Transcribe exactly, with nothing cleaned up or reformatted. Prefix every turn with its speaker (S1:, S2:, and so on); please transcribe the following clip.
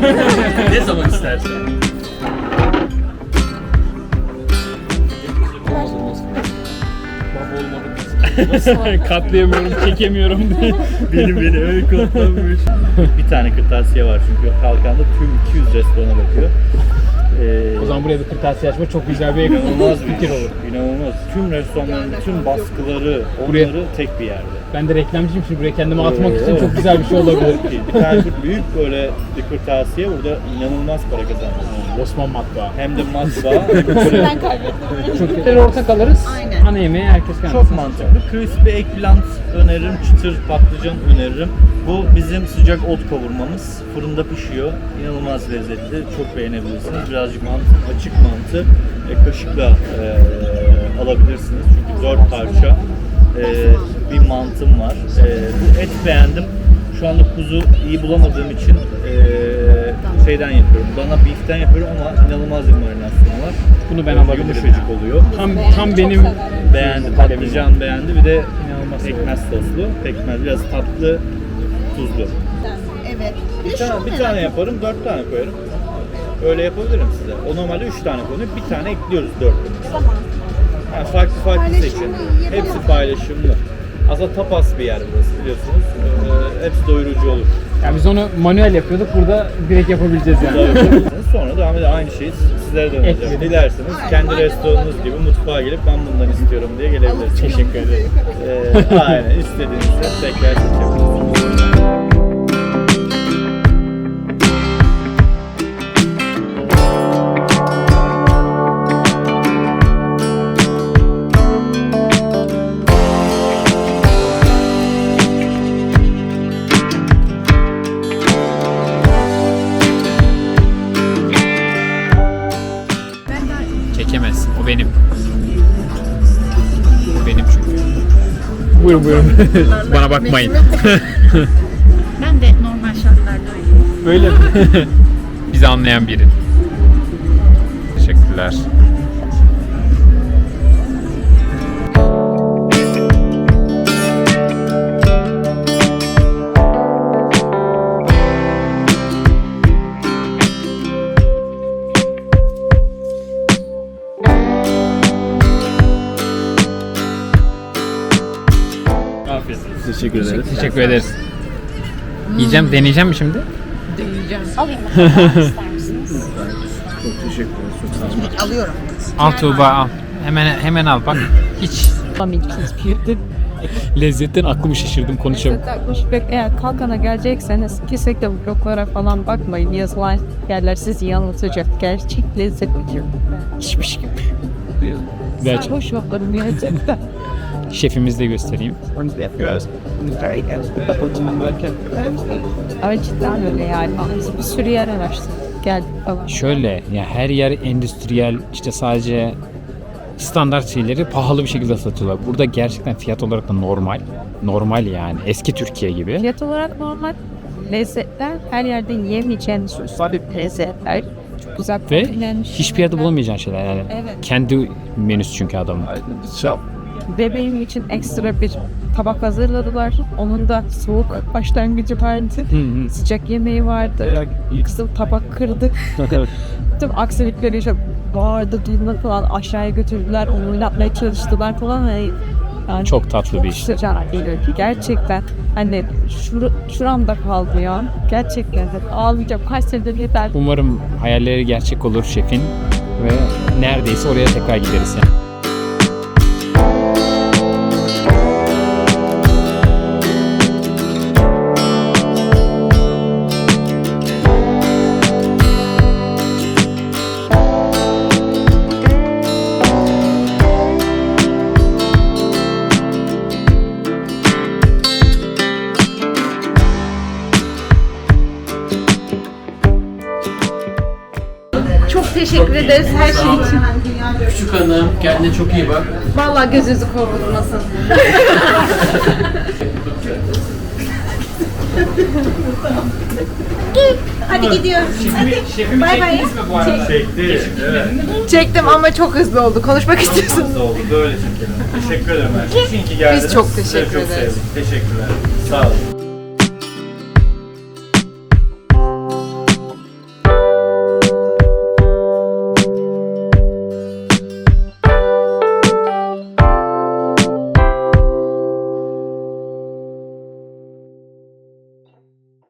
S1: Ne zaman istersen.
S2: Katlayamıyorum, çekemiyorum.
S1: Benim beni öyle katlamış. Bir tane kırtasiye var çünkü Kalkan'da tüm iki yüz restorana bakıyor. Ee,
S2: O zaman buraya bir kırtasiye açma çok güzel bir
S1: inanılmaz bir
S2: fikir olur.
S1: İnanılmaz. Tüm restoranların tüm baskıları,
S2: Buraya-
S1: onları tek bir yerde.
S2: Ben de reklamcıyım şimdi buraya kendimi atmak
S1: Oo.
S2: için çok güzel bir şey olabilir.
S1: Bir tane büyük böyle bir kırtasiye burada inanılmaz para kazanıyor.
S2: Osman matbaa.
S1: Hem de matbaa hem de böyle
S3: Ben kaybettim.
S2: Çok güzel ortak alırız.
S3: Aynen.
S2: Ana yemeği herkes kendisi.
S1: çok mantıklı. Crispy eggplant öneririm, çıtır patlıcan öneririm. Bu bizim sıcak ot kavurmamız. Fırında pişiyor. İnanılmaz lezzetli. Çok beğenebilirsiniz. Birazcık mantı, açık mantı e, kaşıkla e, alabilirsiniz. Çünkü dört parça e, bir mantım var. E, bu et beğendim. Şu anda kuzu iyi bulamadığım için e, şeyden yapıyorum. Dana beef'ten yapıyorum ama inanılmaz bir marinasyonu var.
S2: Bunu ben
S1: E,
S2: alabilirim.
S1: Yumuşacık oluyor.
S2: Tam tam benim
S1: Beğendi, patlıcan beğendi. Bir de inanılmaz pekmez soslu. Pekmez biraz tatlı, tuzlu.
S3: Evet.
S1: Bir tane, bir tane yaparım, dört tane koyarım. Öyle yapabilirim size. O normalde üç tane koyuyor, bir tane ekliyoruz dört.
S3: Tamam.
S1: Yani farklı farklı
S3: Paylaşımlı
S1: seçin.
S3: yiyebilir
S1: Hepsi
S3: miyim?
S1: paylaşımlı. Aslında tapas bir yer burası biliyorsunuz. Ee, hepsi doyurucu olur.
S2: yani biz onu manuel yapıyorduk. Burada direkt yapabileceğiz yani.
S1: Yapabilirsiniz. Sonra devam eder aynı şeyi sizlere de önereceğim.
S2: Ekledim.
S1: Dilerseniz kendi restoranınız gibi mutfağa gelip ben bundan istiyorum diye gelebilirsiniz.
S2: Teşekkür ederim.
S1: Ee, aynen istediğinizde tekrar seçebilirsiniz.
S2: Çekemezsin. O benim. O benim çünkü. Buyurun buyurun. Bana bakmayın.
S3: Ben de normal şartlarda öyleyim.
S2: Böyle mi? Bizi anlayan biri. Teşekkürler.
S1: Afiyet olsun. Teşekkür ederiz.
S2: Teşekkür ederiz. Yiyeceğim, deneyeceğim mi şimdi?
S3: Alayım mı? İster misiniz?
S1: Çok teşekkür ederiz. Çok sağ olun.
S3: Alıyorum.
S2: Al Tuğba al. Hemen hemen al bak. Hiç. Lezzetten aklımı şaşırdım konuşamıyorum.
S4: Ve eğer Kalkan'a gelecekseniz kesinlikle bu bloklara falan bakmayın. Yazılan yerler sizi yanıltacak. Gerçek lezzet biliyor. Hiçmiş gibi.
S2: Gerçek.
S4: Hoş bakalım gerçekten.
S2: Şefimizi de göstereyim.
S4: Ama cidden öyle yani. Biz bir sürü yer araştırdık. Geldik falan.
S2: Şöyle ya her yer endüstriyel işte sadece standart şeyleri pahalı bir şekilde satıyorlar. Burada gerçekten fiyat olarak da normal. Normal yani eski Türkiye gibi.
S4: Fiyat olarak normal. Lezzetler her yerde yiyemeyeceğiniz lezzetler. Çok güzel
S2: Ve
S4: kombinlenmiş.
S2: hiçbir yerde bulamayacağın şeyler yani.
S4: Evet.
S2: Kendi menüsü çünkü adamın.
S4: Bebeğim için ekstra bir tabak hazırladılar. Onun da soğuk başlangıcı vardı.
S2: Hı hı.
S4: Sıcak yemeği vardı. Kızıl tabak kırdık. Tüm aksilikleri işte bağırdı, duymadı falan aşağıya götürdüler. Onu oynatmaya çalıştılar falan. Yani
S2: Çok tatlı bir iş.
S4: sıcak geliyor ki gerçekten hani şur şuramda kaldı ya. Gerçekten ağlayacağım. Kaç senedir yeter.
S2: Umarım hayalleri gerçek olur şefin ve neredeyse oraya tekrar gideriz yani.
S4: Çok teşekkür ederiz her şey için.
S5: Küçük hanım kendine çok iyi bak.
S4: Vallahi gözünüzü korkutmasın.
S3: Hadi gidiyoruz.
S2: Şefimi
S3: Bay bay.
S2: çektiniz mi bu arada?
S1: Çekti. Evet.
S4: Çektim ama çok hızlı oldu. Konuşmak istiyorsun.
S1: Nasıl oldu? Böyle çekelim. Teşekkür ederim. Her şey için ki geldiniz.
S4: Biz çok
S1: Size
S4: teşekkür
S1: çok
S4: ederiz.
S1: sevdik. Teşekkürler. Sağ olun.